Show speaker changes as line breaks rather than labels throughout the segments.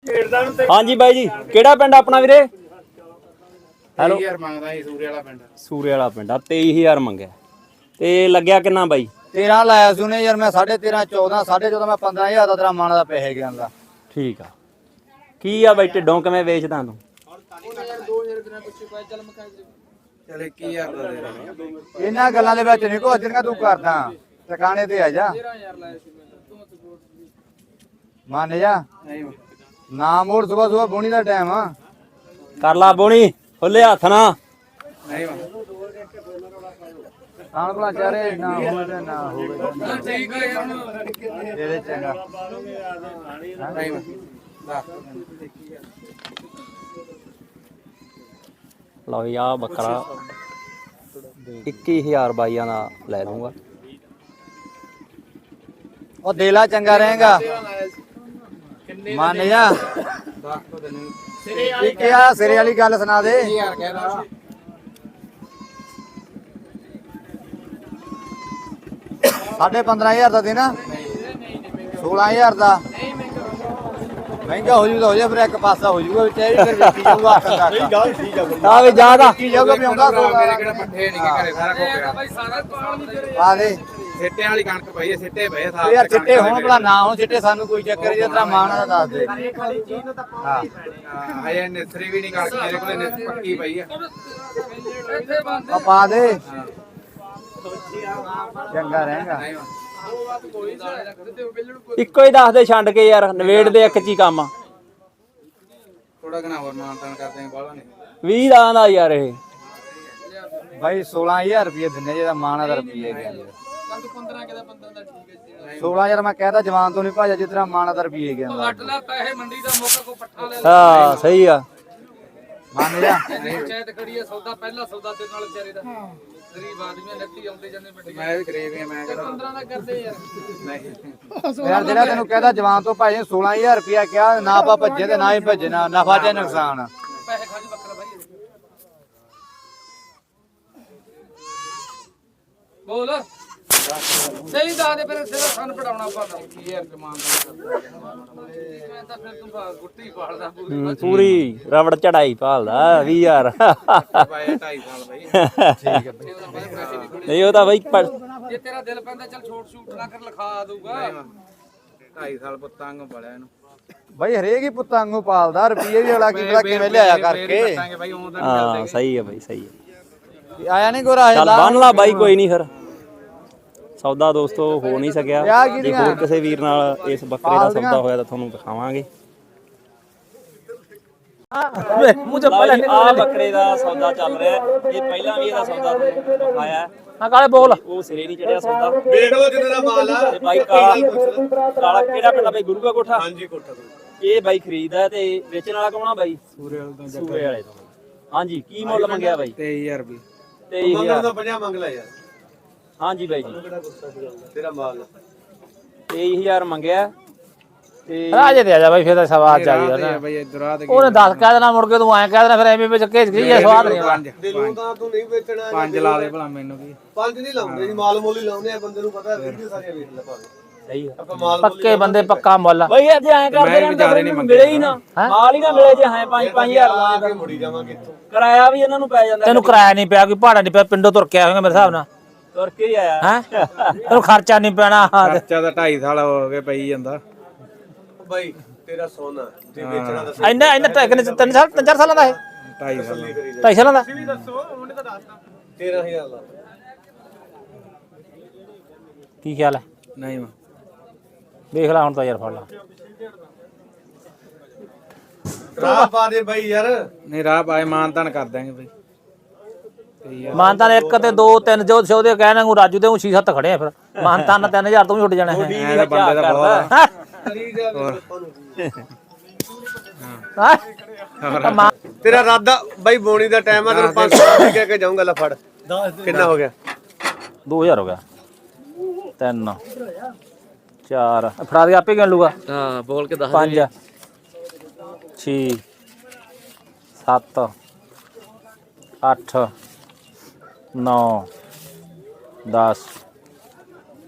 ਹਾਂਜੀ ਬਾਈ ਜੀ, ਕਿਹੜਾ ਪਿੰਡ ਆਪਣਾ ਵੀਰੇ?
ਹੈਲੋ ਯਾਰ ਮੰਗਦਾ ਜੀ ਸੂਰੇ ਵਾਲਾ ਪਿੰਡ।
ਸੂਰੇ ਵਾਲਾ ਪਿੰਡ ਆ। 23000 ਮੰਗਿਆ ਤੇ ਲੱਗਿਆ ਕਿੰਨਾ ਬਾਈ?
13 ਲਾਇਆ ਸੀ ਉਹਨੇ ਯਾਰ। ਮੈਂ 13.5 14 14.5 ਮੈਂ 15000 ਦਾ ਤੇਰਾ ਮਾਣਾ ਦਾ ਪੈਸੇ ਗਿਆ ਦਾ।
ਠੀਕ ਆ। ਕੀ ਆ ਬਾਈ ਢਿੱਡੋਂ ਕਿਵੇਂ ਵੇਚਦਾ ਤੂੰ?
ਚਲ 21000 ਦਾ ਦੇ ਦਾਂਗੇ।
ਇਹਨਾਂ ਗੱਲਾਂ ਦੇ ਵਿੱਚ ਨਹੀਂ ਕੋ ਜਿਹੜੀਆਂ ਤੂੰ ਕਰਦਾ। ਟਿਕਾਣੇ ਤੇ ਆ ਜਾ। ਮੰਨ ਜਾ।
ਨਹੀਂ
ਨਾ ਮੋੜ ਸਵੇਰ ਸਵੇਰ ਬੋਣੀ ਦਾ ਟਾਈਮ ਆ।
ਕਰ ਲਾ ਬੋਣੀ ਖੁੱਲੇ ਹੱਥ ਨਾ।
ਨਹੀਂ
ਆਣ ਭਲਾ ਚਾਰੇ ਨਾ ਹੋਵੇ ਨਾ ਹੋਵੇ।
ਠੀਕ ਹੈ ਯਾਰ
ਤੇਰੇ ਚੰਗਾ।
ਨਹੀਂ
ਲਓ ਜੀ ਆ ਬੱਕਰਾ 21000 ਬਾਈਆਂ ਦਾ ਲੈ ਲੂੰਗਾ।
ਉਹ ਦੇਲਾ ਚੰਗਾ ਰਹੇਗਾ। ਮੰਨ ਜਾ। ਇੱਕ ਆ ਸਿਰੇ ਵਾਲੀ ਗੱਲ ਸੁਣਾ ਦੇ।
20000 ਕਹਿਦਾ।
15000 ਦਾ ਦੇਣਾ। 16000 ਦਾ ਮਹਿੰਗਾ ਹੋ ਜੂਗਾ। ਹੋ ਜਾ ਫਿਰ ਇੱਕ ਪਾਸਾ ਹੋ ਜੂਗਾ ਵਿੱਚ ਇਹ ਫਿਰ ਵੇਚੀ ਜਾਊਗਾ ਹੱਥ ਤੱਕ।
ਆ ਵੀ ਜਾ ਦਾ
ਕੀ ਜਾਊਗਾ ਵੀ ਆਉਂਦਾ
ਮੇਰੇ ਕਿਹੜਾ ਪੱਠੇ ਨਹੀਂ ਘਰੇ ਸਾਰਾ ਕੁਝ
ਆ ਦੇ
ਸਿੱਟੇ ਵਾਲੀ ਕਣਕ ਪਈ ਹੈ। ਸਿੱਟੇ ਪਏ
ਉਹ
ਸਾਰੇ
ਯਾਰ ਚਿੱਟੇ ਹੋਣ ਭਲਾ ਨਾ ਹੋਣ ਚਿੱਟੇ ਸਾਨੂੰ ਕੋਈ ਚੱਕਰ ਜੇ ਤੇਰਾ ਮਾਣਾ ਦਾ ਦੱਸ ਦੇ। ਹਾਂ
ਹਜੇ ਨਿਸਰੀ ਵੀ ਨਹੀਂ ਕਣਕ ਮੇਰੇ ਕੋਲ ਪੱਕੀ ਪਈ ਹੈ।
ਆ ਪਾ ਦੇ ਚੰਗਾ ਰਹੇਗਾ।
ਇੱਕੋ ਹੀ ਦੱਸ ਦੇ ਛੱਡ ਕੇ ਯਾਰ ਨਵੇੜ ਦੇ ਇੱਕ ਚ ਹੀ ਕੰਮ ਆ।
ਥੋੜਾ ਘਣਾ ਹੋਰ ਮਾਨਤਾਨ ਕਰਦੇ ਬਾਲਾ ਨਹੀਂ
20 ਦਾ ਯਾਰ ਇਹ
ਭਾਈ 16000 ਰੁਪਏ ਦਿੰਨੇ ਜਿਹਦਾ ਮਾਣਾ ਦਾ ਰੁਪਏ ਗਿਆ। 16000 ਮੈਂ ਕਹਿਦਾ ਜਵਾਨ ਤੋਂ ਨਹੀਂ ਭਾਜਾ ਜਿਤਨਾ ਮਾਣਾ ਦਾ ਰੁਪਏ ਗਿਆ।
ਹਾਂ ਸਹੀ ਆ।
ਮੰਨ ਜਾ।
ਮੈਂ ਵੀ ਗਰੀਬ ਹਾਂ। ਮੈਂ ਕਹਿੰਦਾ 15 ਦਾ ਕਰਦੇ ਯਾਰ। ਨਹੀਂ
ਯਾਰ ਜਿਹੜਾ ਤੈਨੂੰ ਕਹਿਦਾ ਜਵਾਨ ਤੋਂ ਭਾਜੇ 16000 ਰੁਪਏ ਕਿਹਾ ਨਾ ਆਪਾਂ ਭੱਜੇ ਤੇ ਨਾ ਹੀ ਭੱਜਣਾ ਨਫਾ ਤੇ ਨੁਕਸਾਨ।
ਬੋਲ ਸਹੀ ਦੱਸ ਦੇ ਫਿਰ ਸਿਰ ਸਾਨੂੰ ਪੜਾਉਣਾ ਪੈਂਦਾ। ਯਾਰ ਜਮਾਨ ਮੈਂ ਤਾਂ ਫਿਰ ਤੂੰ ਗੁੱਟੀ ਪਾਲਦਾ
ਪੂਰੀ ਰਬੜ ਚੜਾਈ ਭਾਲਦਾ 20000
ਪਾਇਆ 2.5 ਸਾਲ ਬਈ।
ਠੀਕ ਹੈ ਬਈ।
ਨਹੀਂ ਉਹ ਤਾਂ ਬਾਈ
ਜੇ ਤੇਰਾ ਦਿਲ ਪੈਂਦਾ ਚੱਲ ਛੋਟ ਛੂਟ ਨਾ ਕਰ ਲਿਖਾ ਦਊਗਾ। 2.5 ਸਾਲ ਪੁੱਤਾਂ ਨੂੰ ਪੜਿਆ ਇਹਨੂੰ
ਬਈ ਹਰੇਕ ਹੀ ਪੁੱਤਾਂ ਵਾਂਗੂ ਪਾਲਦਾ। ਰੁਪਏ ਵੀ ਵਾਲਾ ਕੀ ਪਤਾ ਕਿਵੇਂ ਲਿਆਇਆ ਕਰਕੇ।
ਬਈ ਉਹ ਤਾਂ
ਹਾਂ ਸਹੀ ਆ ਬਾਈ ਸਹੀ ਆ।
ਆਇਆ ਨਹੀਂ ਗੋਰਾ
ਚੱਲ ਬੰਨ ਲਾ ਬਾਈ ਕੋਈ ਨਹੀਂ ਫਿਰ ਸੌਦਾ ਦੋਸਤੋ ਹੋ ਨਹੀਂ ਸਕਿਆ। ਜੇ ਹੋਰ ਕਿਸੇ ਵੀਰ ਨਾਲ ਇਸ ਬੱਕਰੇ ਦਾ ਸੌਦਾ ਹੋਇਆ ਤਾਂ ਤੁਹਾਨੂੰ ਦਿਖਾਵਾਂਗੇ। ਆ ਬੱਕਰੇ ਦਾ ਸੌਦਾ ਚੱਲ ਰਿਹਾ। ਇਹ ਪਹਿਲਾਂ ਵੀ ਇਹਦਾ ਸੌਦਾ ਦਿਖਾਇਆ।
ਹਾਂ ਕਾਲੇ ਬੋਲ।
ਉਹ ਸਿਰੇ ਨਹੀਂ ਚੜਿਆ ਸੌਦਾ।
ਵੇਖ ਲਓ ਜਿੰਨੇ ਦਾ ਮਾਲ ਆ।
ਤੇ ਬਾਈ ਕਾਲਾ ਕਿਹੜਾ ਪਿੰਡ ਬਾਈ? ਗੁਰੂ ਕਾ ਕੋਠਾ।
ਹਾਂਜੀ ਕੋਠਾ ਤੋਂ।
ਇਹ ਬਾਈ ਖਰੀਦਦਾ ਤੇ ਵੇਚਣ ਵਾਲਾ ਕੌਣ ਆ ਬਾਈ? ਸੂਰੇ ਵਾਲੇ ਤੋਂ। ਹਾਂਜੀ ਕੀ ਮੁੱਲ ਮੰਗਿਆ ਬਾਈ?
23000 ਰੁਪਏ।
23000
ਦਾ 50 ਮੰਗ ਲੈ ਯਾਰ।
ਹਾਂਜੀ ਬਾਈ ਜੀ
ਤੇਰਾ ਮਾਲ
23000 ਮੰਗਿਆ ਤੇ
ਰਾਜੇ ਤੇ ਆ ਜਾ ਬਾਈ ਫਿਰ ਤਾਂ ਸਵਾਦ ਚਾਹੀਦਾ ਨਾ।
ਬਈ ਇਧਰ ਆ ਤੇ
ਉਹਨੇ 10 ਕਹਿ ਦੇਣਾ ਮੁੜ ਕੇ ਤੂੰ ਐਂ ਕਹਿ ਦੇਣਾ ਫਿਰ ਐਵੇਂ ਵਿੱਚ ਘੇਜ ਗਈ ਸਵਾਦ ਨਹੀਂ ਆਉਂਦਾ।
ਦਿਲੋਂ ਤਾਂ ਤੂੰ ਨਹੀਂ ਵੇਚਣਾ।
5 ਲਾ ਦੇ ਭਲਾ ਮੈਨੂੰ ਕੀ।
5 ਨਹੀਂ ਲਾਉਂਦੇ ਜੀ। ਮਾਲ ਮੁੱਲ ਹੀ ਲਾਉਂਦੇ ਆ। ਬੰਦੇ ਨੂੰ ਪਤਾ ਵੀਡੀਓ ਸਾਰੀਆਂ ਵੇਖ ਲੈ ਭਾਵੇਂ
ਸਹੀ ਆ
ਆਪਾਂ ਮਾਲ
ਪੱਕੇ ਬੰਦੇ ਪੱਕਾ ਮੁੱਲ।
ਬਾਈ ਅੱਜ ਐਂ ਕਰਦੇ ਰਹਿਣ ਤਾਂ ਮਿਲੇ ਹੀ ਨਾ ਮਾਲ ਹੀ ਨਾ ਮਿਲੇ ਜੇ ਹੈ 5-5000
ਲਾ ਕੇ ਮੁੜੀ ਜਾਵਾਂਗੇ ਇੱਥੋਂ।
ਕਿਰਾਇਆ ਵੀ ਇਹਨਾਂ ਨੂੰ ਪੈ ਜਾਂਦਾ।
ਤੈਨੂੰ ਕਿਰਾਇਆ ਨਹੀਂ ਪਿਆ ਕੋਈ ਭਾੜਾ ਨਹੀਂ ਪਿਆ ਪਿੰਡੋਂ ਤੁਰ ਕੇ ਆਵੇਂਗਾ ਮੇਰੇ ਹਿਸਾਬ ਨਾਲ।
ਤੁਰ ਕੇ ਹੀ ਆਇਆ
ਹੈ ਤੈਨੂੰ ਖਰਚਾ ਨਹੀਂ ਪੈਣਾ।
ਖਰਚਾ ਤਾਂ 2.5 ਸਾਲ ਹੋ ਗਏ ਪਈ ਜਾਂਦਾ।
ਬਾਈ ਤੇਰਾ ਸੋਨਾ ਜੇ ਵੇਚਣਾ ਤਾਂ
ਇੰਨਾ 3 ਸਾਲ 4 ਸਾਲਾਂ ਦਾ ਇਹ
2.5 ਸਾਲ
2.5 ਸਾਲਾਂ ਦਾ।
13000 ਲਾ।
ਕੀ ਖਿਆਲ ਹੈ?
ਨਹੀਂ ਮੈਂ
ਦੇਖ ਲੈ ਹੁਣ ਤਾਂ ਯਾਰ ਫੜ ਲਾ।
ਰਾਹ ਪਾ ਦੇ ਬਾਈ ਯਾਰ।
ਨਹੀਂ ਰਾਹ ਪਾਏ ਮਾਨਤਾਨ ਕਰ ਦਾਂਗੇ ਬਈ।
ਮਾਨਤਾਨ 1 ਤੇ 2 3 ਜੋ ਉਹਦੇ ਕਹਿਣਾ ਨੂੰ ਰਾਜੂ ਦੇ 6-7 ਖੜੇ ਆ ਫਿਰ ਮਾਨਤਾਨ 3000 ਤੋਂ ਵੀ ਉੱਡ ਜਾਣਾ ਹੈ।
ਐ ਤਾਂ ਬੰਦੇ ਦਾ ਬਹੁਤ ਆ।
ਤੇਰਾ ਰਾਦਾ ਬਾਈ ਬੋਣੀ ਦਾ ਟਾਈਮ ਆ। ਤੈਨੂੰ 500 ਰੁਪਏ ਕਹਿ ਕੇ ਜਾਊਂਗਾ। ਲੈ ਫੜ। ਕਿੰਨਾ ਹੋ ਗਿਆ?
2000 ਹੋ ਗਿਆ। 3 4 ਫੜਾ ਦੇ ਆਪੇ ਗਿਣ ਲੂਗਾ।
ਹਾਂ ਬੋਲ ਕੇ ਦੱਸ
5 6 7 8 9 10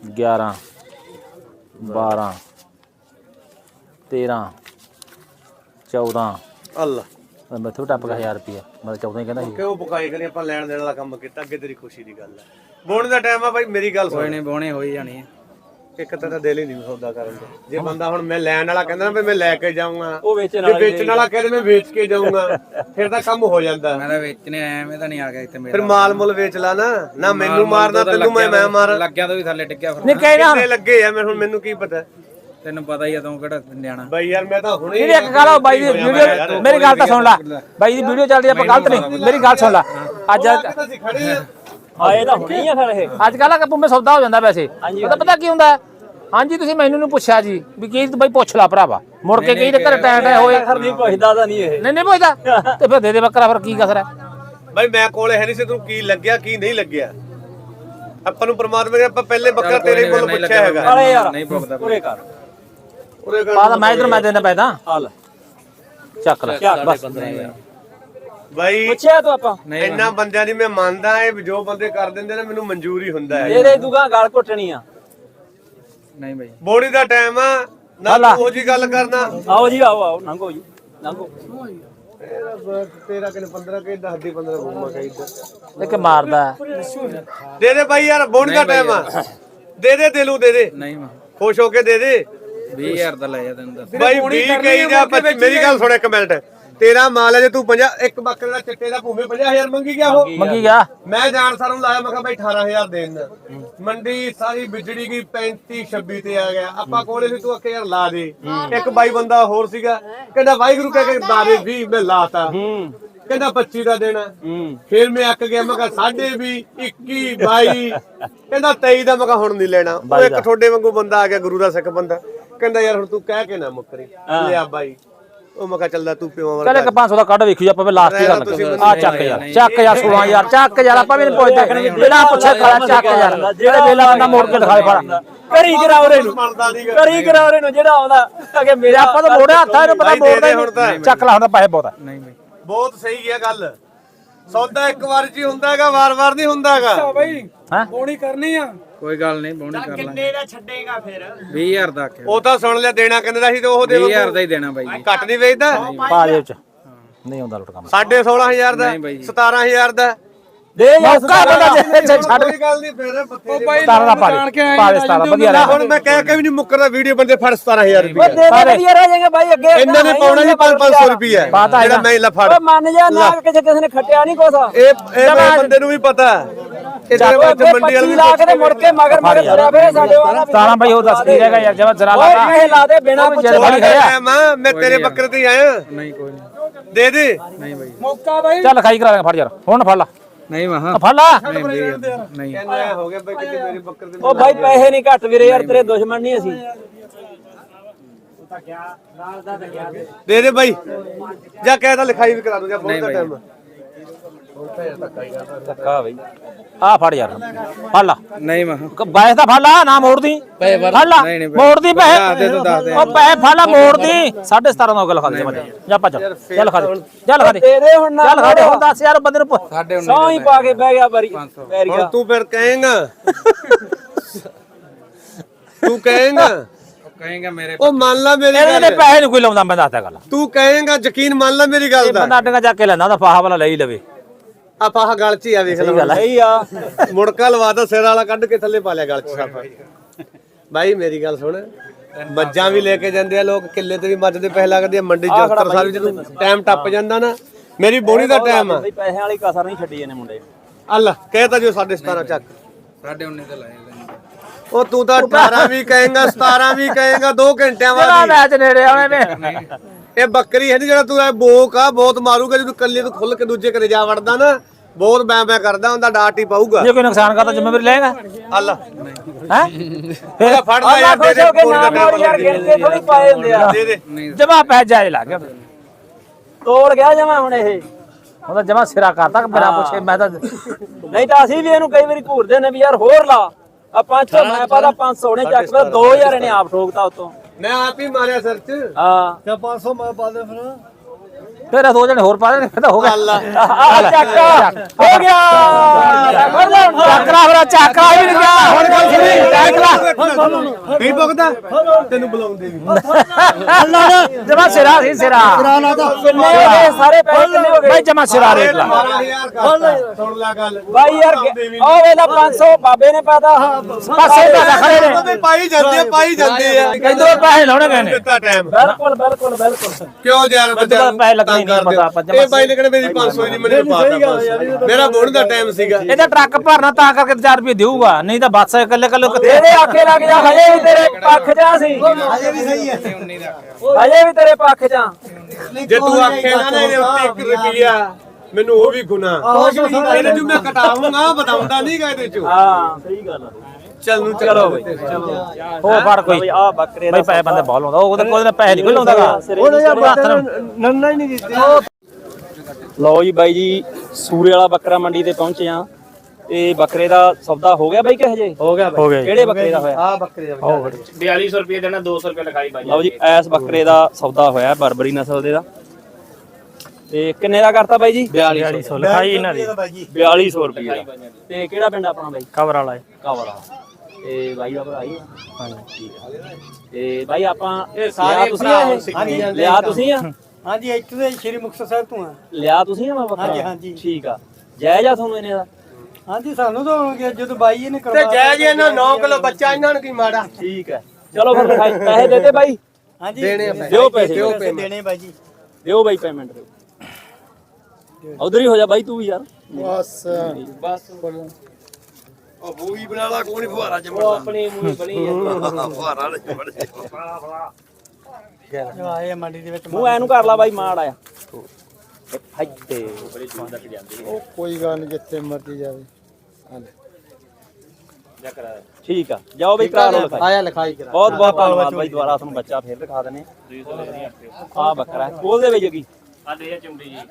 11 12 13
14
ਅੱਲਾ
ਮੈਥੋਂ ਟੱਪ ਗਿਆ 1000 ਰੁਪਿਆ ਮੈਂ 14 ਹੀ ਕਹਿੰਦਾ ਸੀ
ਕਿਉਂ ਬੁਕਾਈ ਕਰੀ ਆਪਾਂ ਲੈਣ ਦੇਣ ਵਾਲਾ ਕੰਮ ਕੀਤਾ ਅੱਗੇ ਤੇਰੀ ਖੁਸ਼ੀ ਦੀ ਗੱਲ ਹੈ ਬੋਣ ਦਾ ਟਾਈਮ ਆ ਬਾਈ ਮੇਰੀ ਗੱਲ ਸੁਣ
ਬੋਣੇ ਹੋਈ ਜਾਣੀ ਹੈ
ਇੱਕ ਤਾਂ ਦਿਲ ਹੀ ਨਹੀਂ ਸੌਦਾ ਕਰਨ ਦਾ ਜੇ ਬੰਦਾ ਹੁਣ ਮੈਂ ਲੈਣ ਵਾਲਾ ਕਹਿੰਦਾ ਨਾ ਵੀ ਮੈਂ ਲੈ ਕੇ ਜਾਊਂਗਾ
ਉਹ ਵੇਚਣ
ਜੇ ਵੇਚਣ ਵਾਲਾ ਕਹਿੰਦੇ ਮੈਂ ਵੇਚ ਕੇ ਜਾਊਂਗਾ ਫਿਰ ਤਾਂ ਕੰਮ ਹੋ ਜਾਂਦਾ
ਮੈਂ ਤਾਂ ਵੇਚਣੇ ਆਇਆ ਮੈਂ ਤਾਂ ਨਹੀਂ ਆ ਗਿਆ ਇੱਥੇ
ਫਿਰ ਮਾਲ ਮੁੱਲ ਵੇਚ ਲਾ ਨਾ ਮੈਨੂੰ ਮਾਰਨਾ ਤੈਨੂੰ ਮੈਂ ਮਾਰਾਂ
ਲੱਗਿਆ ਤਾਂ ਵੀ ਥੱਲੇ ਡਿੱਗਿਆ ਫਿਰ
ਨਹੀਂ ਕਹਿਣਾ
ਕਿੰਨੇ ਲੱਗੇ ਆ ਹੁਣ ਮੈਨੂੰ ਕੀ ਪਤਾ
ਤੈਨੂੰ ਪਤਾ ਹੀ ਆ ਤੂੰ ਕਿਹੜਾ ਨਿਆਣਾ
ਬਾਈ ਯਾਰ ਮੈਂ ਤਾਂ ਹੁਣੇ
ਇਹ ਇੱਕ ਗੱਲ ਆ ਬਾਈ ਦੀ ਵੀਡੀਓ ਮੇਰੀ ਗੱਲ ਤਾਂ ਸੁਣ ਲੈ ਬਾਈ ਦੀ ਵੀਡੀਓ ਚੱਲਦੀ ਆਪਾਂ ਗਲਤ ਨਹੀਂ ਮੇਰੀ ਗੱਲ ਸੁਣ ਲੈ ਅੱਜ
ਅਸੀਂ ਖੜੇ ਆ
ਆਏ ਤਾਂ ਹੁਣੇ ਹੀ ਆ ਫਿਰ ਇਹ
ਅੱਜ ਕੱਲ੍ਹ ਆ ਪੁੰਮੇ ਸੌਦਾ ਹੋ ਜਾਂਦਾ ਵੈਸੇ ਪਤਾ ਕੀ ਹੁੰਦਾ ਹਾਂਜੀ ਤੁਸੀਂ ਮੈਨੂੰ ਨਹੀਂ ਪੁੱਛਿਆ ਜੀ ਵੀ ਕੀ ਬਾਈ ਪੁੱਛ ਲਾ ਭਰਾਵਾ ਮੁੜ ਕੇ ਕਹੀ ਤੇ ਘਰੇ ਟੈਂ ਹੋਏ
ਨਹੀਂ ਪੁੱਛਦਾ ਤਾਂ ਨਹੀਂ ਇਹ
ਨਹੀਂ ਪੁੱਛਦਾ ਤੇ ਫਿਰ ਦੇ ਬੱਕਰਾ ਫਿਰ ਕੀ ਕਸਰ ਹੈ
ਬਾਈ ਮੈਂ ਕੋਲੇ ਹੈ ਨਹੀਂ ਸੀ ਤੈਨੂੰ ਕੀ ਲੱਗਿਆ ਕੀ ਨਹੀਂ ਲੱਗਿਆ ਆਪਾਂ ਨੂੰ ਪ੍ਰਮਾਤਮਾ ਨੇ ਆਪਾਂ ਪਹਿਲੇ ਬੱਕਰਾ ਤੇਰੇ ਕੋਲ ਪੁੱਛਿਆ ਹੈਗਾ
ਅਰੇ ਯਾਰ
ਨਹੀਂ ਪੁੱਛਦਾ
ਪੂਰੇ ਕਰ
ਉਹਦੇ
ਪਾ ਤਾਂ ਮੈਂ ਇਧਰ ਮੈਂ ਦੇਣਾ ਪੈਦਾ
ਹਾਲ
ਚੱਕ ਲੈ ਬਸ
ਬਾਈ
ਪੁੱਛਿਆ ਤੂੰ ਆਪਾਂ
ਇੰਨਾ ਬੰਦਿਆਂ ਦੀ ਮੈਂ ਮੰਨਦਾ ਇਹ ਜੋ ਬੰਦੇ ਕਰ ਦਿੰਦੇ ਨੇ ਮੈਨੂੰ ਮਨਜ਼ੂਰ ਹੀ ਹੁੰਦਾ ਹੈ
ਇਹਦੇ ਦੁਗਾ ਗਾਲ ਘੁੱਟਣੀ ਆ
ਨਹੀਂ ਬਾਈ
ਬੋੜੀ ਦਾ ਟਾਈਮ ਆ ਨਾ ਉਹ ਜੀ ਗੱਲ ਕਰਨਾ
ਆਓ ਜੀ ਆਓ ਲੰਘੋ ਜੀ ਲੰਘੋ
ਤੇਰਾ ਕਿਨੇ 15 ਕੇ 10 ਦੀ 15 ਘੁੰਮਾ ਚਾਹੀਦਾ
ਇੱਕ ਮਾਰਦਾ
ਦੇ ਦੇ ਬਾਈ ਯਾਰ ਬੋੜੀ ਦਾ ਟਾਈਮ ਆ ਦੇ ਦਿਲੋਂ ਦੇ ਦੇ
ਨਹੀਂ ਮੈਂ
ਖੁਸ਼ ਹੋ ਕੇ ਦੇ ਦੇ
20000 ਦਾ ਲੈ ਜਾ ਤੈਨੂੰ ਦੱਸ
ਬਾਈ 20 ਕਹੀ ਜਾਂ 25 ਮੇਰੀ ਗੱਲ ਸੁਣ ਇੱਕ ਮਿੰਟ ਤੇਰਾ ਮਾਲ ਹੈ ਜੇ ਤੂੰ 50 ਇੱਕ ਬੱਕਰੇ ਦਾ ਚਿੱਟੇ ਦਾ ਭੂਮੇ 50000 ਮੰਗੀ ਗਿਆ ਉਹ
ਮੰਗੀ ਗਿਆ
ਮੈਂ ਜਾਣ ਸਾਰ ਨੂੰ ਲਾਇਆ ਮੈਂ ਕਿਹਾ ਬਾਈ 18000 ਦੇਣ ਮੰਡੀ ਸਾਰੀ ਵਿਜੜੀ ਗਈ 35 26 ਤੇ ਆ ਗਿਆ ਆਪਾਂ ਕੋਲੇ ਸੀ ਤੂੰ ਅੱਕੇ ਯਾਰ ਲਾ ਦੇ ਇੱਕ ਬਾਈ ਬੰਦਾ ਹੋਰ ਸੀਗਾ ਕਹਿੰਦਾ ਵਾਹਿਗੁਰੂ ਕਹਿ ਕੇ ਦਾਰੇ 20 ਮੈਂ ਲਾਤਾ ਕਹਿੰਦਾ 25 ਦਾ ਦੇਣਾ ਫਿਰ ਮੈਂ ਅੱਕ ਗਿਆ ਮੈਂ ਕਿਹਾ 20 21 22 ਕਹਿੰਦਾ 23 ਦਾ ਮੈਂ ਕਿਹਾ ਹੁਣ ਨਹੀਂ ਲੈਣਾ ਉਹ ਇੱਕ ਤੁਹਾਡੇ ਵਾਂਗੂ ਬੰਦਾ ਆ ਗਿਆ ਗੁਰੂ ਦਾ ਸਿੱਖ ਬੰਦਾ ਕਹਿੰਦਾ ਯਾਰ ਹੁਣ ਤੂੰ ਕਹਿ ਕੇ ਨਾ ਮੁੱਕਰੀ ਲਿਆ ਬਾਈ ਉਹ ਮੈਂ ਕਿਹਾ ਚੱਲਦਾ ਤੂੰ ਪਿਓ
ਚੱਲ ਇੱਕ 500 ਦਾ ਕੱਢ ਵੇਖੀ ਆਪਾਂ ਲਾਸਟ ਹੀ ਗੱਲ ਆ ਚੱਕ ਯਾਰ 16000 ਚੱਕ ਯਾਰ ਆਪਾਂ ਵੀ ਨਹੀਂ ਪੁੱਛਦੇ ਬਿਨਾਂ ਪੁੱਛੇ ਖੜਾ ਚੱਕ ਯਾਰ ਜਿਹੜੇ ਵੇਲਾ ਬੰਦਾ ਮੋੜ ਕੇ ਦਿਖਾਏ ਫੜ
ਕਰੀ ਕਰਾਉਰੇ ਨੂੰ ਕਰੀ ਕਰਾਉਰੇ ਨੂੰ ਜਿਹੜਾ ਆਉਂਦਾ ਅਗੇ
ਮੇਰੇ ਆਪਾਂ ਤਾਂ ਮੋੜਿਆ ਹੱਥਾਂ ਇਹਨੂੰ ਪਤਾ ਮੋੜਦਾ ਹੀ ਚੱਕ ਲਾ ਹੁੰਦਾ ਪੈਸੇ ਬਹੁਤ
ਨਹੀਂ ਬਾਈ
ਬਹੁਤ ਸਹੀ ਹੈ ਗੱਲ ਸੌਦਾ ਇੱਕ ਵਾਰ ਚ ਹੀ ਹੁੰਦਾ ਹੈਗਾ ਵਾਰ-ਵਾਰ ਨਹੀਂ ਹੁੰਦਾ ਹੈਗਾ
ਬਾਈ
ਹੈ
ਬੋਣੀ ਕਰਨੀ ਆ ਕੋਈ ਗੱਲ ਨਹੀਂ ਬੋਣੀ ਕਰ ਲਾਂਗੇ ਕਿੰਨੇ ਦਾ ਛੱਡੇਗਾ ਫਿਰ 20000 ਦਾ ਆਖਿਆ
ਉਹ ਤਾਂ ਸੁਣ ਲਿਆ ਦੇਣਾ ਕਿੰਨੇ ਦਾ ਸੀ ਤੇ ਉਹ ਦੇ
20000 ਦਾ ਹੀ ਦੇਣਾ ਬਾਈ ਜੀ
ਘੱਟ ਨਹੀਂ ਵੇਚਦਾ
ਪਾ ਦੇ ਵਿੱਚ ਨਹੀਂ ਹੁੰਦਾ ਲੁੱਟ ਕੰਮ
16500 ਦਾ 17000 ਦਾ
ਦੇ ਮੌਕਾ ਬੰਦਾ ਜੇ ਛੱਡ
ਕੋਈ ਗੱਲ ਨਹੀਂ ਫਿਰ ਬੱਤੇ
17 ਦਾ ਪਾ ਦੇ 17 ਵਧੀਆ
ਨਾ ਹੁਣ ਮੈਂ ਕਹਿ ਕੇ ਵੀ ਨਹੀਂ ਮੁੱਕਰਦਾ ਵੀਡੀਓ ਬੰਦੇ ਫੜ 17000 ਰੁਪਏ
ਦੇ ਵਧੀਆ ਰਹਿ ਜਾਏਗਾ ਬਾਈ ਅੱਗੇ
ਇਹਨਾਂ ਨੇ ਪਾਉਣਾ ਜੀ 500 ਰੁਪਏ
ਪਤਾ
ਜਿਹੜਾ ਮੈਂ ਲਾ ਫੜ
ਓਏ ਮੰਨ ਜਾ ਨਾ ਕਿਸੇ ਨੇ ਖੱਟਿਆ ਨਹੀਂ ਕੋਸਾ
ਇਹ ਬੰਦੇ ਨੂੰ ਵੀ ਪਤਾ ਇਹ ਤੇਰੇ ਵਿੱਚ ਮੰਡੀ ਵਾਲੇ
25 ਲੱਖ ਦੇ ਮੁੜ ਕੇ ਮਗਰ ਤੁਰਿਆ ਫੇਰੇ ਸਾਡੇ ਵਾਲਾ
17 ਭਾਈ ਉਹ ਦੱਸ ਕੀ ਰਹੇਗਾ ਯਾਰ ਜਮਾ ਜ਼ਰਾ ਲਾ
ਇਹ ਲਾ ਦੇ ਬਿਨਾ ਪੁੱਛੇ
ਮੈਂ ਤੇਰੇ ਬੱਕਰੇ ਤੇ ਆਇਆ
ਨਹੀਂ ਕੋਈ ਨਹੀਂ
ਦੇ ਦੇ
ਨਹੀਂ ਬਾਈ
ਮੌਕਾ ਬਾਈ
ਚੱਲ ਖਾਈ ਕਰਾ ਫੜ ਯਾਰ ਹੁਣ ਫੜ ਲਾ
ਨਹੀਂ ਮਹਾ
ਫੜ ਲਾ
ਨਹੀਂ
ਕਹਿੰਦਾ ਹੋ ਗਿਆ ਬਈ ਕਿਤੇ ਮੇਰੇ ਬੱਕਰੇ ਤੇ
ਉਹ ਬਾਈ ਪੈਸੇ ਨਹੀਂ ਘੱਟ ਵੀਰੇ ਯਾਰ ਤੇਰੇ ਦੁਸ਼ਮਣ ਨਹੀਂ ਅਸੀਂ
ਦੇ ਦੇ ਬਾਈ ਜਾਂ ਕਹਿ ਤਾਂ ਲਿਖਾਈ ਵੀ ਕਰਾ ਦੂੰ ਜਾਂ ਬਹੁਤ ਦਾ ਟਾਈਮ
ਧੱਕਾ ਬਈ
ਆ ਫੜ ਯਾਰ ਫੜ ਲਾ
ਨਹੀਂ ਮਹਾ
ਬਾਇਸ ਦਾ ਫੜ ਲਾ ਨਾ ਮੋੜਦੀ ਫੜ ਲਾ ਮੋੜਦੀ ਪੈਸੇ ਉਹ ਪੈਸੇ ਫੜ ਲਾ ਮੋੜਦੀ 17.5 ਦਾ ਗੱਲ ਖਾ ਦੇ ਜਾ ਭੱਜ ਚੱਲ ਖਾ ਦੇ ਚੱਲ ਖਾ ਦੇ
ਦੇ ਦੇ ਹੁਣ ਨਾ
ਚੱਲ ਖਾ ਦੇ ਹੁਣ 10000 ਬੰਦੇ ਨੂੰ
ਸਾਡੇ
ਸੌ ਹੀ ਪਾ ਕੇ ਬਹਿ ਗਿਆ ਬਾਰੀ ਪੈਰ
ਹੁਣ
ਗਿਆ
ਤੂੰ ਫਿਰ ਕਹੇਂਗਾ ਤੂੰ ਕਹੇਂਗਾ
ਕਹੇਗਾ ਮੇਰੇ
ਉਹ ਮੰਨ ਲਾ ਮੇਰੀ
ਇਹਦੇ
ਗੱਲ
ਪੈਸੇ ਨਹੀਂ ਕੋਈ ਲਾਉਂਦਾ ਮੈਂ ਦੱਸਦਾ ਗੱਲ
ਤੂੰ ਕਹੇਂਗਾ ਯਕੀਨ ਮੰਨ ਲਾ ਮੇਰੀ ਗੱਲ ਦਾ
ਬੰਦਾ ਅੱਡਗਾ ਜਾ ਕੇ ਲੈਂਦਾ ਉਹਦਾ ਫਾਹਾ ਵਾਲਾ ਲੈ ਹੀ ਲਵੇ
ਆਪਾਂ ਆਹ ਗਲ 'ਚ ਹੀ ਆ ਵੇਖ ਲੈ
ਸਹੀ ਆ
ਮੁੜਕਾ ਲਵਾਤਾ ਸਿਰ ਵਾਲਾ ਕੱਢ ਕੇ ਥੱਲੇ ਪਾ ਲਿਆ ਗਲ 'ਚ ਸਾਫਾ ਬਾਈ ਮੇਰੀ ਗੱਲ ਸੁਣ ਮੱਝਾਂ ਵੀ ਲੈ ਕੇ ਜਾਂਦੇ ਆ ਲੋਕ ਕਿੱਲੇ ਤੇ ਵੀ ਮੱਝ ਦੇ ਪੈਸੇ ਲੱਗਦੇ ਆ ਮੰਡੀ ਜੋਤਰ ਸਾਹਿਬ ਜਦੋਂ ਟਾਈਮ ਟੱਪ ਜਾਂਦਾ ਨਾ ਮੇਰੀ ਬੋਣੀ ਦਾ ਟਾਈਮ ਆ
ਬਈ ਪੈਸਿਆਂ ਵਾਲੀ ਕਸਰ ਨਹੀਂ ਛੱਡੀ ਇਹਨੇ ਮੁੰਡੇ
ਅੱਲਾ ਕਹਿਤਾ ਜੋ 17.5 ਚੱਕ
ਸਾਡੇ 19 ਤੇ ਲਾਏ
ਉਹ ਤੂੰ ਤਾਂ 18 ਵੀ ਕਹੇਂਗਾ 17 ਵੀ ਕਹੇਂਗਾ 2 ਘੰਟਿਆਂ
ਆ
ਬਾਅਦ
ਮੈਚ ਨੇੜੇ ਆਉਣੇ ਨੇ
ਇਹ ਬੱਕਰੀ ਹੈ ਨੀ ਜਿਹੜਾ ਤੂੰ ਇਹ ਬੋਕ ਆ ਬਹੁਤ ਮਾਰੂਗਾ ਜਦੋਂ ਕੱਲੇ ਤੋਂ ਖੁੱਲ ਕੇ ਦੂਜੇ ਘਰੇ ਜਾ ਵੜਦਾ ਨਾ ਬਹੁਤ ਬੈ ਕਰਦਾ ਹੁੰਦਾ ਡਾਟ ਹੀ ਪਾਊਗਾ
ਜੇ ਕੋਈ ਨੁਕਸਾਨ ਕਰਦਾ ਜ਼ਿੰਮੇਵਾਰੀ ਲਏਗਾ
ਅੱਲਾ
ਹੈ
ਉਹਦਾ ਫੜ ਲੈ ਯਾਰ ਦੇ ਦੇ
ਯਾਰ ਗਿਣ ਕੇ ਥੋੜੀ ਪਾਏ ਹੁੰਦੇ ਆ
ਦੇ ਦੇ
ਜਮਾ ਪੈ ਜਾਏ ਲੱਗ ਗਿਆ
ਤੋੜ ਗਿਆ ਜਮਾ ਹੁਣ ਇਹ
ਉਹਦਾ ਜਮਾ ਸਿਰਾ ਕਰਤਾ ਬਿਨਾ ਪੁੱਛੇ ਮੈਂ ਤਾਂ
ਨਹੀਂ ਤਾਂ ਅਸੀਂ ਵੀ ਇਹਨੂੰ ਕਈ ਵਾਰੀ ਘੂਰਦੇ ਨੇ ਵੀ ਯਾਰ ਹੋਰ ਲਾ ਆ 500 ਮੈਂ ਪਾਦਾ 500 ਨੇ ਚੱਕ ਫਿਰ 2000 ਇਹਨੇ ਆਪ ਠੋਕਤਾ ਉਤੋਂ
ਮੈਂ ਆਪ ਹੀ ਮਾਰਿਆ ਸਿਰ 'ਚ
ਹਾਂ
ਤੇ 500 ਮੈਂ ਪਾ ਦੇ ਫਿਰ
ਤੇਰਾ 2 ਜਣੇ ਹੋਰ ਪਾ ਦੇਣੇ ਫਿਰ ਤਾਂ ਹੋ ਗਿਆ ਚੱਕ ਹੋ ਗਿਆ ਚੱਕਰਾ ਫਿਰ ਚੱਕਰਾ ਵੀ ਨਹੀਂ ਗਿਆ ਹੁਣ ਗੱਲ ਸੁਣੀ ਚੱਕਰਾ
ਨਹੀਂ ਭੁਗਦਾ ਤੈਨੂੰ ਬੁਲਾਉਂਦੇ ਵੀ
ਜਮਾ ਸਿਰਾ ਸੀ ਸਿਰਾ ਕਿੰਨੇ ਹੋ ਗਏ ਸਾਰੇ ਪੈਸੇ ਕਿੰਨੇ ਹੋ ਗਏ ਬਾਈ ਜਮਾ ਸਿਰਾ ਰੇਟ ਲਾ
12000 ਕਰਤਾ ਸੁਣ ਲੈ ਗੱਲ
ਬਾਈ ਯਾਰ ਉਹ ਵੇਲਾ 500 ਬਾਬੇ ਨੇ ਪਾਤਾ ਪਾਸੇ ਦਾ ਖੜੇ ਨੇ
ਪਾਈ ਜਾਂਦੇ ਆ
ਕਹਿੰਦੇ ਪੈਸੇ ਲਾਉਣੇ ਗਏ ਨੇ
ਦਿੱਤਾ ਟਾਈਮ
ਬਿਲਕੁਲ
ਕਿਉਂ ਯਾਰ ਬੱਚਾ
ਪੈਸੇ ਲੱਗਣੇ ਨਹੀਂ ਪਤਾ ਆਪਾਂ
ਇਹ ਬਾਈ ਨੇ ਕਹਿੰਦੇ ਮੇਰੀ 500 ਦੀ ਮੈਨੂੰ ਪਾਤਾ ਮੇਰਾ ਬੋਣ ਦਾ ਟਾਈਮ ਸੀਗਾ
ਇਹਦਾ ਟਰੱਕ ਭਰਨਾ ਤਾਂ ਕਰਕੇ 4 ਰੁਪਏ ਦੇਊਗਾ ਨਹੀਂ ਤਾਂ ਬੱਸ ਇਕੱਲੇ ਇਹਦੇ ਆਖੇ ਲੱਗ ਜਾ ਹਜੇ ਵੀ ਤੇਰੇ ਪੱਖ ਜਾ ਸੀ ਹਜੇ ਵੀ ਸਹੀ ਹੈ ਹਜੇ ਵੀ ਤੇਰੇ ਪੱਖ ਜਾ
ਜੇ ਤੂੰ ਆਖੇ ਨਾ ਇਹਦੇ ਉੱਤੇ 1 ਰੁਪਿਆ ਮੈਨੂੰ ਉਹ ਵੀ ਗੁਨਾਹ ਇਹਨੇ ਜੋ ਮੈਂ ਕਟਾਉਂਗਾ ਬਤਾਉਂਦਾ ਨਹੀਂਗਾ ਇਹਦੇ ਚੋਂ
ਹਾਂ ਸਹੀ ਗੱਲ ਆ
ਚੱਲ ਨੂੰ
ਚਲੋ ਬਈ ਹੋ ਫੜ ਕੋਈ
ਆ ਬੱਕਰੇ
ਬਈ ਪੈਸੇ ਬੰਦੇ ਬਹੁਤ ਲਾਉਂਦਾ ਉਹਦੇ ਕੋਲ ਪੈਸੇ ਨਹੀਂ ਕੋਈ ਲਾਉਂਦਾਗਾ
ਨੰਨਾ ਹੀ ਨਹੀਂ ਦਿੱਤੇ
ਲਓ ਜੀ ਬਾਈ ਜੀ ਸੂਰੇ ਵਾਲਾ ਬੱਕਰਾ ਮੰਡੀ ਤੇ ਪਹੁੰਚੇ ਆ ਤੇ ਬੱਕਰੇ ਦਾ ਸੌਦਾ ਹੋ ਗਿਆ ਬਾਈ ਕਿ ਹਜੇ
ਹੋ ਗਿਆ
ਕਿਹੜੇ ਬੱਕਰੇ ਦਾ ਹੋਇਆ
ਆ ਬੱਕਰੇ ਦਾ
4200 ਰੁਪਏ ਦੇਣਾ 200 ਰੁਪਏ ਲਿਖਾਈ ਬਾਈ
ਲਓ ਜੀ ਐਸ ਬੱਕਰੇ ਦਾ ਸੌਦਾ ਹੋਇਆ ਬਰਬਰੀ ਨਸਲ ਦੇ ਦਾ ਤੇ ਕਿੰਨੇ ਦਾ ਕਰਤਾ ਬਾਈ ਜੀ
4200 ਲਿਖਾਈ ਇਹਨਾਂ ਦੀ
4200 ਰੁਪਏ ਦਾ ਤੇ ਕਿਹੜਾ ਪਿੰਡ ਆਪਣਾ ਬਾਈ
ਕਵਰ ਵਾਲਾ
ਕਵਰ ਵਾਲਾ ਤੇ ਬਾਈ ਦਾ ਭਰਾ ਹੀ ਹਾਂਜੀ ਤੇ ਬਾਈ ਆਪਾਂ ਸਾਰੇ ਤੁਸੀਂ ਲਿਆ ਤੁਸੀਂ ਆ
ਹਾਂਜੀ ਇੱਥੇ ਦੇ ਸ਼੍ਰੀ ਮੁਕਤਸਰ ਸਾਹਿਬ ਤੋਂ ਆ
ਲਿਆ ਤੁਸੀਂ ਆ ਮੈਂ ਬੱਕਰਾ
ਹਾਂਜੀ
ਠੀਕ ਆ ਜਾਇਜ਼ ਆ ਤੁਹਾਨੂੰ ਇਹਨੇ ਦਾ
ਹਾਂਜੀ ਸਾਨੂੰ ਤਾਂ ਹੋ ਗਿਆ ਜਦੋਂ ਬਾਈ ਇਹਨੇ
ਤੇ
ਕਰਵਾ
ਜੈ ਜੀ ਇਹਨਾਂ 9 ਕਿਲੋ ਬੱਚਾ ਇਹਨਾਂ ਨੂੰ ਕੀ ਮਾੜਾ
ਠੀਕ ਹੈ ਚਲੋ ਫਿਰ ਲਿਖਾਈ ਪੈਸੇ ਦੇ ਦੇ ਬਾਈ
ਹਾਂਜੀ
ਦਿਓ ਪੈਸੇ
ਦੇਣੇ ਬਾਈ ਜੀ
ਦਿਓ ਬਾਈ ਪੇਮੈਂਟ ਦਿਓ ਉਧਰ ਹੀ ਹੋ ਜਾ ਬਾਈ ਤੂੰ ਵੀ ਯਾਰ
ਬਸ
ਉਹ ਬੂਈ ਬਣਾ ਲਾ ਕੋਈ ਨਹੀਂ ਫੁਹਾਰਾ ਚ
ਆਪਣੀ ਮੂੰਹ ਬਣੀ
ਫੁਹਾਰਾ ਨਹੀਂ ਬੜੇ
ਜੋ ਆਏ ਮੰਡੀ ਦੇ ਵਿੱਚ
ਮੂੰਹ ਐਨੂੰ ਕਰ ਲਾ ਬਾਈ ਮਾੜ ਆਇਆ ਫੱਟੇ ਬੜੀ ਦੂਰ ਤੱਕ ਜਾਂਦੀ
ਉਹ ਕੋਈ ਗੱਲ ਨਹੀਂ ਜਿੱਥੇ ਮਰਜ਼ੀ ਜਾਵੇ
ਠੀਕ ਆ ਜਾਓ ਬਈ ਕਰਾ ਲਓ ਲਿਖਾਈ
ਆਇਆ ਲਿਖਾਈ ਕਰਾ
ਬਹੁਤ ਬਹੁਤ ਧੰਨਵਾਦ ਬਾਈ ਦੁਬਾਰਾ ਤੁਹਾਨੂੰ ਬੱਚਾ ਫੇਰ ਦਿਖਾ ਦਨੇ ਆ ਬੱਕਰਾ ਕੋਲ ਦੇ ਵਿੱਚ ਕੀ
ਆ ਦੇ ਚੁੰਡੀ ਜੀ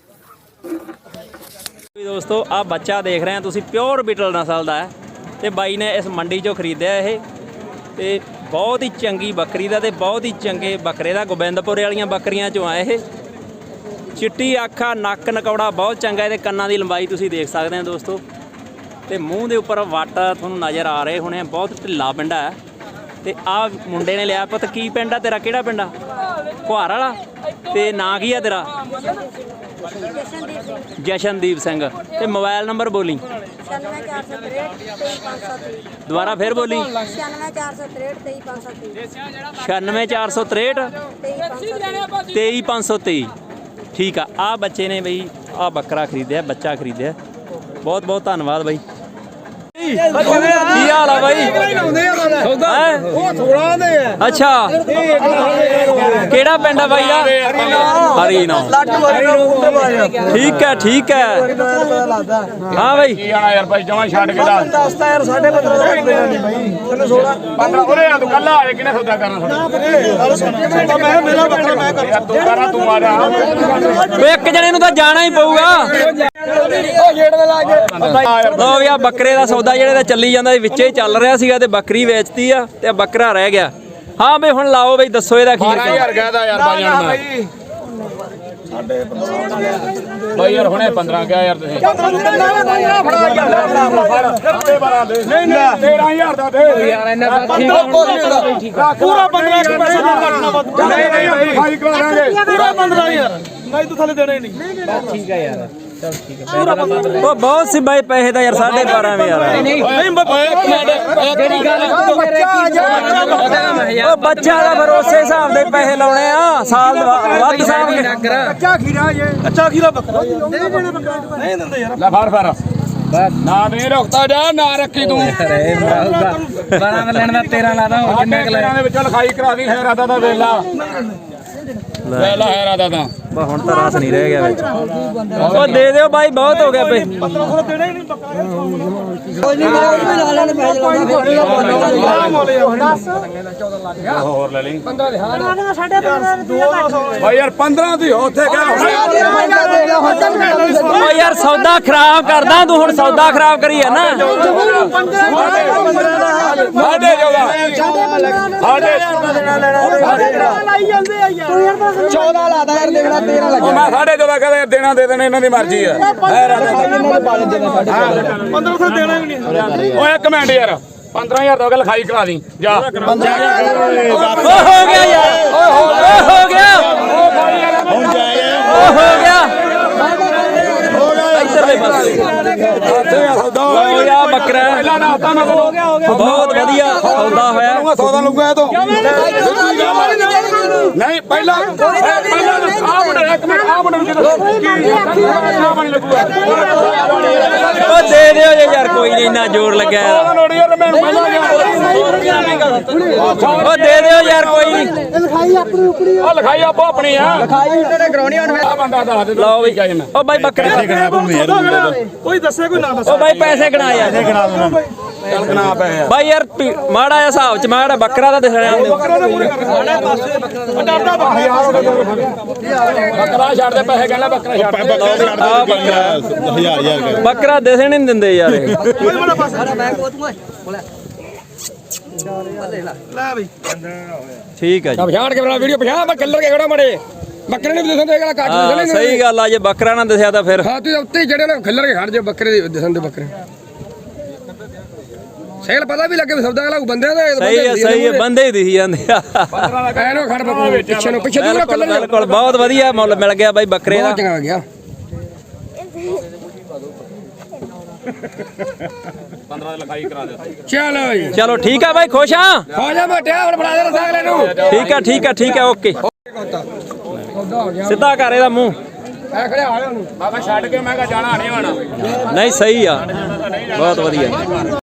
ਵੀ ਦੋਸਤੋ ਆ ਬੱਚਾ ਦੇਖ ਰਹੇ ਆ ਤੁਸੀਂ ਪਿਓਰ ਬੀਟਲ ਨਸਲ ਦਾ ਹੈ ਤੇ ਬਾਈ ਨੇ ਇਸ ਮੰਡੀ ਚੋਂ ਖਰੀਦਿਆ ਇਹ ਤੇ ਬਹੁਤ ਹੀ ਚੰਗੀ ਬੱਕਰੀ ਦਾ ਤੇ ਬਹੁਤ ਹੀ ਚੰਗੇ ਬੱਕਰੇ ਦਾ ਗੋਬਿੰਦਪੁਰੇ ਵਾਲੀਆਂ ਬੱਕਰੀਆਂ ਚੋਂ ਆ ਇਹ ਚਿੱਟੀ ਅੱਖਾਂ ਨੱਕ ਨਕੌੜਾ ਬਹੁਤ ਚੰਗਾ ਇਹਦੇ ਕੰਨਾਂ ਦੀ ਲੰਬਾਈ ਤੁਸੀਂ ਦੇਖ ਸਕਦੇ ਹੋ ਦੋਸਤੋ ਤੇ ਮੂੰਹ ਦੇ ਉੱਪਰ ਵੱਟ ਤੁਹਾਨੂੰ ਨਜ਼ਰ ਆ ਰਹੇ ਹੋਣੇ ਬਹੁਤ ਢਿੱਲਾ ਪਿੰਡਾ ਹੈ ਤੇ ਆ ਮੁੰਡੇ ਨੇ ਲਿਆ ਪੁੱਤ ਕੀ ਪਿੰਡ ਆ ਤੇਰਾ ਕਿਹੜਾ ਪਿੰਡ ਆ ਕੁਹਾਰ ਵਾਲਾ ਤੇ ਨਾਂ ਕੀ ਆ ਤੇਰਾ ਜਸ਼ਨਦੀਪ ਸਿੰਘ ਤੇ ਮੋਬਾਈਲ ਨੰਬਰ ਬੋਲੀ
96463
ਦੁਬਾਰਾ ਫੇਰ ਬੋਲੀ
96463
96463 23523 ਠੀਕ ਆ ਆ ਬੱਚੇ ਨੇ ਬਈ ਆ ਬੱਕਰਾ ਖਰੀਦਿਆ ਬੱਚਾ ਖਰੀਦਿਆ ਬਹੁਤ ਬਹੁਤ ਧੰਨਵਾਦ ਬਾਈ ਕੀ ਹਾਲ ਆ ਬਾਈ
ਉਹ ਥੋੜਾ ਦੇ
ਅੱਛਾ ਕਿਹੜਾ ਪਿੰਡ ਆ ਬਾਈ ਦਾ ਹਰੀ ਨਾ ਠੀਕ ਹੈ ਠੀਕ ਹੈ ਹਾਂ ਬਾਈ
ਕੀ ਆਣਾ ਯਾਰ ਭਾਈ ਜਮਾ ਛੱਡ ਕੇ
ਦੱਸਦਾ ਯਾਰ 15.5 ਦਾ ਦੇਣਾ ਨਹੀਂ ਬਾਈ ਤੈਨੂੰ 16
15 ਉਹਨੇ ਆ ਤੂੰ ਕੱਲਾ ਆਏ ਕਿਨੇ ਸੌਦਾ ਕਰਨਾ
ਮੈਂ ਮੇਰਾ ਬੱਕਰਾ ਮੈਂ ਕਰ
ਤੂੰ ਕਰਾ ਤੂੰ ਆ ਜਾ
ਓਏ ਇੱਕ ਜਣੇ ਨੂੰ ਤਾਂ ਜਾਣਾ ਹੀ ਪਊਗਾ ਲੋ ਵੀ ਆ ਬੱਕਰੇ ਦਾ ਸੌਦਾ ਜਿਹੜੇ ਦਾ ਚੱਲੀ ਜਾਂਦਾ ਵਿੱਚੇ ਹੀ ਚੱਲ ਰਿਹਾ ਸੀਗਾ ਤੇ ਬੱਕਰੀ ਵੇਚਤੀ ਆ ਤੇ ਬੱਕਰਾ ਰਹਿ ਗਿਆ ਹਾਂ ਬਈ ਹੁਣ ਲਾਓ ਬਈ ਦੱਸੋ ਇਹਦਾ ਕੀ
ਯਾਰ ਕਹਦਾ ਯਾਰ ਬਾਈ ਜਾਨ ਬਾਈ ਯਾਰ ਹੁਣੇ 15 ਕਿਹਾ ਯਾਰ ਤੁਸੀਂ ਨਹੀਂ 13000 ਦਾ ਦੇ ਯਾਰ ਇਹਨਾਂ ਪੂਰਾ 15 ਪੈਸੇ ਨਹੀਂ ਕੱਟਣਾ ਨਹੀਂ ਭਾਈ ਕਰਾਂਗੇ ਪੂਰਾ 15000 ਨਹੀਂ ਤੂੰ ਥੱਲੇ ਦੇਣੇ ਨਹੀਂ ਠੀਕ ਹੈ ਯਾਰ
ਉਹ ਬਹੁਤ ਸੀ ਬਾਈ ਪੈਸੇ ਦਾ ਯਾਰ 12.5 ਯਾਰ
ਨਹੀਂ
ਜਿਹੜੀ ਗੱਲ ਉਹ ਬੱਚਾ ਦਾ ਭਰੋਸੇ ਹਿਸਾਬ ਦੇ ਪੈਸੇ ਲਾਉਣੇ ਆ ਸਾਲ ਵੱਧ ਸਾਲ ਕੇ
ਕੱਚਾ ਖੀਰਾ ਜੇ ਕੱਚਾ ਖੀਰਾ ਬੱਕਰਾ ਨਹੀਂ ਦਿੰਦੇ ਯਾਰ
ਲੈ ਫੜ ਨਾ ਦੇ ਰੁਕਤਾ ਜਾ ਨਾ ਰੱਖੀ ਤੂੰ 12 ਲੈਣ ਦਾ 13 ਲਾਦਾ ਹੋਰ ਕਿੰਨੇ ਕ ਲੈ ਦੇ ਵਿੱਚ ਲਿਖਾਈ ਕਰਾ ਦੀ ਹੈਰਾਦਾ ਦਾ ਵੇਲਾ ਲੈ ਲਾ ਹੈਰਾਦਾ ਤਾਂ
ਬਾ ਹੁਣ ਤਾਂ ਰਾਸ ਨਹੀਂ ਰਹਿ ਗਿਆ ਵਿੱਚ ਉਹ ਦੇ ਦਿਓ ਬਾਈ ਬਹੁਤ ਹੋ ਗਿਆ ਬਈ
ਦੇਣਾ ਹੀ ਨਹੀਂ ਬੱਕਰਾ
ਹੋਰ ਲੈ ਲਈ 15 ਭਾਈ ਯਾਰ 15 ਦੀ ਉੱਥੇ ਕਿਆ
ਓ ਯਾਰ ਸੌਦਾ ਖਰਾਬ ਕਰਦਾ ਤੂੰ, ਹੁਣ ਸੌਦਾ ਖਰਾਬ ਕਰੀ ਆ ਨਾ।
ਮੈਂ 14.5 ਕਹਿੰਦਾ ਦੇਣਾ ਦੇ ਦੇਣਾ, ਇਹਨਾਂ ਦੀ ਮਰਜ਼ੀ ਆ। 1500 ਦੇਣਾ ਵੀ ਨਹੀਂ। ਓਏ ਇੱਕ ਮਿੰਟ ਯਾਰ, 15000 ਦਾ ਲਿਖਾਈ ਕਰਾ ਦੀ ਜਾ।
ਹੋ ਗਿਆ ਯਾਰ, ਹੋ ਗਿਆ,
ਹੁਣ ਜਾਏ
ਹੋ ਗਿਆ ਇੱਧਰਲੇ ਪਾਸੇ। ਲਓ ਯਾ ਬੱਕਰਾ ਬਹੁਤ ਵਧੀਆ ਸੌਦਾ ਹੋਇਆ।
100 ਦਾ ਲਊਗਾ ਇਹ ਤੋਂ ਨਹੀਂ। ਪਹਿਲਾਂ ਆਹ ਮੁੰਡੇ ਇੱਕ ਮਿੰਟ, ਆਹ ਮੁੰਡੇ ਨੂੰ ਲੱਗੂਗਾ।
ਓ ਦੇ ਦਿਓ ਜੇ ਯਾਰ, ਕੋਈ ਨਹੀਂ, ਇੰਨਾ ਜ਼ੋਰ ਲੱਗਿਆ ਇਹਦਾ।
ਨੋੜੀ ਯਾਰ ਮੈਂ ਪਹਿਲਾਂ ਗਿਆ।
ਓ ਦੇ ਦਿਓ ਯਾਰ, ਕੋਈ ਨਹੀਂ।
ਉਹ ਲਿਖਾਈ ਆਪੋ ਆਪਣੀ ਆ। ਲਿਖਾਈ ਕਰਾਉਣੀ ਹੁਣ ਆ ਬੰਦਾ ਦੱਸ ਦੇ।
ਲਓ ਬਈ, ਓ ਬਾਈ ਬੱਕਰੇ
ਕੋਈ ਦੱਸੇ ਕੋਈ ਨਾ ਦੱਸੇ।
ਓ ਬਾਈ ਪੈਸੇ ਗਣਾ ਯਾਰ,
ਚੱਲ ਗਣਾ ਪਏ ਯਾਰ।
ਬਾਈ ਯਾਰ ਮਾੜਾ ਜਿਹਾ ਹਿਸਾਬ ਚ ਮਾੜਾ ਬੱਕਰਾ ਤਾਂ ਦਿਖਣਾ
ਬੱਕਰਾ ਛੱਡ ਦੇ ਪੈਸੇ, ਕਹਿੰਦਾ ਬੱਕਰਾ ਛੱਡ ਦੇ।
ਬੱਕਰਾ ਦਿਸਣ ਨਹੀਂ ਦਿੰਦੇ ਯਾਰ ਇਹ। ਠੀਕ ਹੈ ਜੀ।
ਪਛਾਣ ਕੇ ਬਣਾ ਵੀਡੀਓ, ਪਛਾਣ ਮੈਂ ਕਲਰ ਕੇ ਖੜਾ ਮੜੇ ਬੱਕਰੇ ਨੇ ਵੀ ਦਿਸਣ ਦੇ, ਕੱਟ
ਹਾਂ ਸਹੀ ਗੱਲ ਆ, ਜੇ ਬੱਕਰਾ ਨਾ ਦਿਸਿਆ ਤਾਂ ਫਿਰ
ਹਾਂ ਤੂੰ ਉੱਤੇ ਜਿਹੜੇ ਨੇ ਖੱਲਰ ਕੇ ਖੜ ਜਾ, ਬੱਕਰੇ ਦੇ ਦਿਸਣ ਦੇ ਬੱਕਰੇ ਸੇਲ ਪਤਾ ਵੀ ਲੱਗੇ ਸੌਦਾ ਵਾਲਾ ਬੰਦੇ ਦਾ।
ਸਹੀ ਹੈ ਬੰਦੇ ਹੀ ਦਿਖੀ ਜਾਂਦੇ ਆ।
ਐਨੋ ਖੜ ਬੱਕਰੇ ਪਿੱਛੇ ਨੂੰ, ਪਿੱਛੇ ਦੂਰਾ ਕਲਰ
ਬਿਲਕੁਲ ਬਹੁਤ ਵਧੀਆ ਮੁੱਲ ਮਿਲ ਗਿਆ ਬਾਈ ਬੱਕਰੇ ਦਾ।
ਬਹੁਤ ਚੰਗਾ ਗਿਆ। 15 ਦੀ ਲਿਖਾਈ ਕਰਾ ਦੇ। ਚਲੋ ਜੀ,
ਚਲੋ ਠੀਕ ਆ ਬਾਈ, ਖੁਸ਼ ਆ।
ਹੋ ਜਾ ਮੋਟਿਆ, ਹੁਣ ਬਣਾ ਦੇ ਰਸਾਗਲੇ ਨੂੰ।
ਠੀਕ ਆ ਓਕੇ। ਸਿੱਧਾ ਕਰ ਇਹਦਾ ਮੂੰਹ।
ਐ ਖੜਿਆ ਆ ਉਹਨੂੰ ਬਾਬਾ ਛੱਡ ਕੇ, ਮੈਂ ਕਹਾ ਜਾਣਾ ਨਹੀਂ ਆਣਾ।
ਨਹੀਂ ਸਹੀ ਆ, ਬਹੁਤ ਵਧੀਆ।